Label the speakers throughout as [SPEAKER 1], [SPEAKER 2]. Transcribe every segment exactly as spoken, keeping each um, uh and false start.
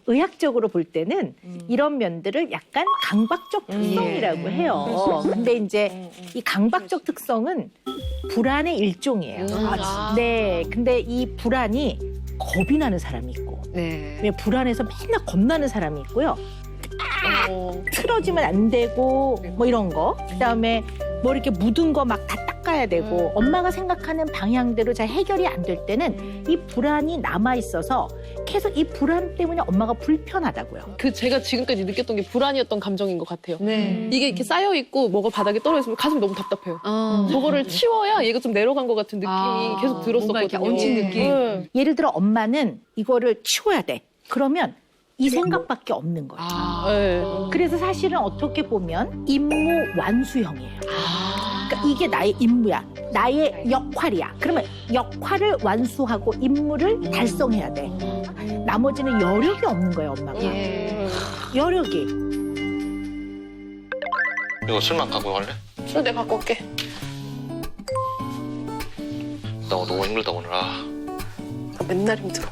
[SPEAKER 1] 의학적으로 볼 때는
[SPEAKER 2] 음.
[SPEAKER 1] 이런 면들을 약간 강박적 특성이라고
[SPEAKER 2] 음.
[SPEAKER 1] 해요. 근데 이제 이 강박적 특성은 불안의 일종이에요.
[SPEAKER 2] 음.
[SPEAKER 3] 아.
[SPEAKER 1] 네, 근데 이 불안이 겁이 나는 사람이 있고,
[SPEAKER 2] 네.
[SPEAKER 1] 왜 불안해서 맨날 겁나는 사람이 있고요.
[SPEAKER 3] 어.
[SPEAKER 1] 틀어지면 안 되고 뭐 이런 거. 그다음에 뭐 이렇게 묻은 거 막 다 닦아야 되고
[SPEAKER 3] 음.
[SPEAKER 1] 엄마가 생각하는 방향대로 잘 해결이 안 될 때는 이 불안이 남아 있어서 계속 이 불안 때문에 엄마가 불편하다고요.
[SPEAKER 3] 그 제가 지금까지 느꼈던 게 불안이었던 감정인 것 같아요.
[SPEAKER 2] 네.
[SPEAKER 3] 이게 이렇게 쌓여 있고 뭐가 바닥에 떨어져 있으면 가슴이 너무 답답해요.
[SPEAKER 2] 어.
[SPEAKER 3] 저거를 치워야 얘가 좀 내려간 것 같은 느낌이
[SPEAKER 2] 아,
[SPEAKER 3] 계속
[SPEAKER 2] 뭔가
[SPEAKER 3] 들었었거든요.
[SPEAKER 2] 이렇게 얹힌 느낌.
[SPEAKER 3] 네.
[SPEAKER 1] 예를 들어 엄마는 이거를 치워야 돼. 그러면 이 생각밖에 없는 거예요.
[SPEAKER 2] 아.
[SPEAKER 3] 네.
[SPEAKER 1] 그래서 사실은 어떻게 보면 임무 완수형이에요.
[SPEAKER 2] 아.
[SPEAKER 1] 그러니까 이게 나의 임무야. 나의 역할이야. 그러면 역할을 완수하고 임무를 달성해야 돼. 나머지는 여력이 없는 거예요, 엄마가.
[SPEAKER 2] 예.
[SPEAKER 1] 여력이.
[SPEAKER 4] 이거 술만 갖고 갈래?
[SPEAKER 3] 술 내가 갖고 올게.
[SPEAKER 4] 나 오늘 너무 힘들다 오늘. 아.
[SPEAKER 3] 나 맨날 힘들어.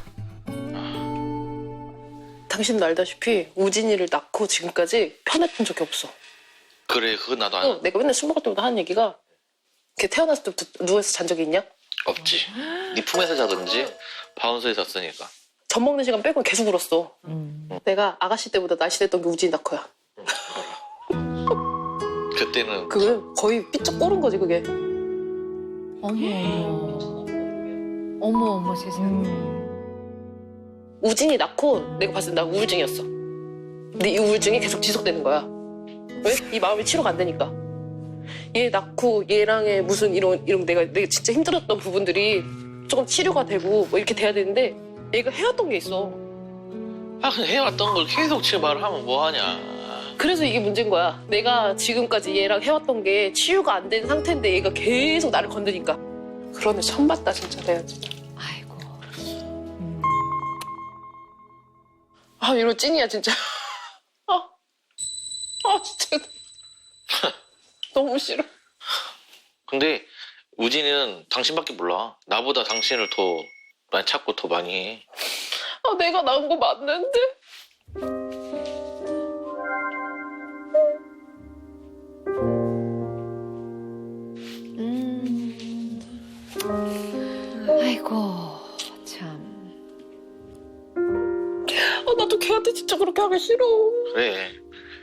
[SPEAKER 3] 당신도 알다시피 우진이를 낳고 지금까지 편했던 적이 없어.
[SPEAKER 4] 그래 그거 나도 안
[SPEAKER 3] 어, 내가 맨날 술 먹을 때마다 하는 얘기가 걔 태어났을 때부터 누워서 잔 적이 있냐?
[SPEAKER 4] 없지. 네 품에서 자든지 바운서에서 잤으니까.
[SPEAKER 3] 젖 먹는 시간 빼고 계속 울었어.
[SPEAKER 1] 음.
[SPEAKER 3] 내가 아가씨 때보다 날씬했던 게 우진이 낳고야.
[SPEAKER 4] 그때는
[SPEAKER 3] 그게 거의 삐쩍 꼬른 거지 그게.
[SPEAKER 2] 어머. 어머, 어머, 세상에.
[SPEAKER 3] 우진이 낳고 내가 봤을 때 나 우울증이었어. 근데 이 우울증이 계속 지속되는 거야. 왜? 이 마음이 치료가 안 되니까. 얘 낳고 얘랑의 무슨 이런 이런 내가 내가 진짜 힘들었던 부분들이 조금 치료가 되고 뭐 이렇게 돼야 되는데 얘가 해왔던 게 있어.
[SPEAKER 4] 아 그냥 해왔던 걸 계속 지금 말을 하면 뭐하냐.
[SPEAKER 3] 그래서 이게 문제인 거야. 내가 지금까지 얘랑 해왔던 게 치유가 안 된 상태인데 얘가 계속 나를 건드니까. 그러네 처음 봤다 진짜 내가 진짜.
[SPEAKER 2] 아이고.
[SPEAKER 3] 아 이런 찐이야 진짜. 아, 아 진짜 너무 싫어.
[SPEAKER 4] 근데 우진이는 당신밖에 몰라. 나보다 당신을 더 많이 찾고 더 많이 해.
[SPEAKER 3] 아 내가 낳은 거 맞는데?
[SPEAKER 2] 음. 아이고, 참.
[SPEAKER 3] 아 나도 걔한테 진짜 그렇게 하기 싫어.
[SPEAKER 4] 그래.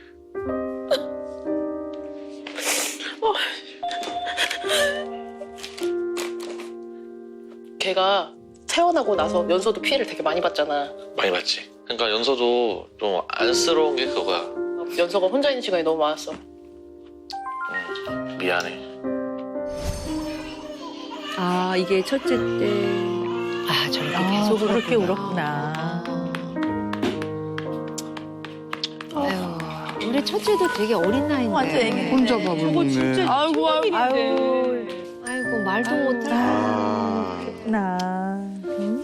[SPEAKER 3] 걔가 태어나고 나서 연서도 피해를 되게 많이 받잖아.
[SPEAKER 4] 많이 봤지. 그러니까 연서도 좀 안쓰러운 게 그거야.
[SPEAKER 3] 연서가 혼자 있는 시간이 너무 많았어.
[SPEAKER 4] 음, 미안해.
[SPEAKER 2] 아, 이게 첫째 때. 아, 저렇게
[SPEAKER 1] 아,
[SPEAKER 2] 계속
[SPEAKER 1] 저렇게
[SPEAKER 2] 울었구나.
[SPEAKER 1] 울었구나.
[SPEAKER 2] 아유, 우리 첫째도 되게 어린 나이인데.
[SPEAKER 1] 완전 애기.
[SPEAKER 5] 혼자 밥을 먹네.
[SPEAKER 3] 아이고 아이고.
[SPEAKER 1] 아유,
[SPEAKER 2] 아이고, 말도
[SPEAKER 1] 아유.
[SPEAKER 2] 못하고.
[SPEAKER 5] 아,
[SPEAKER 1] 나.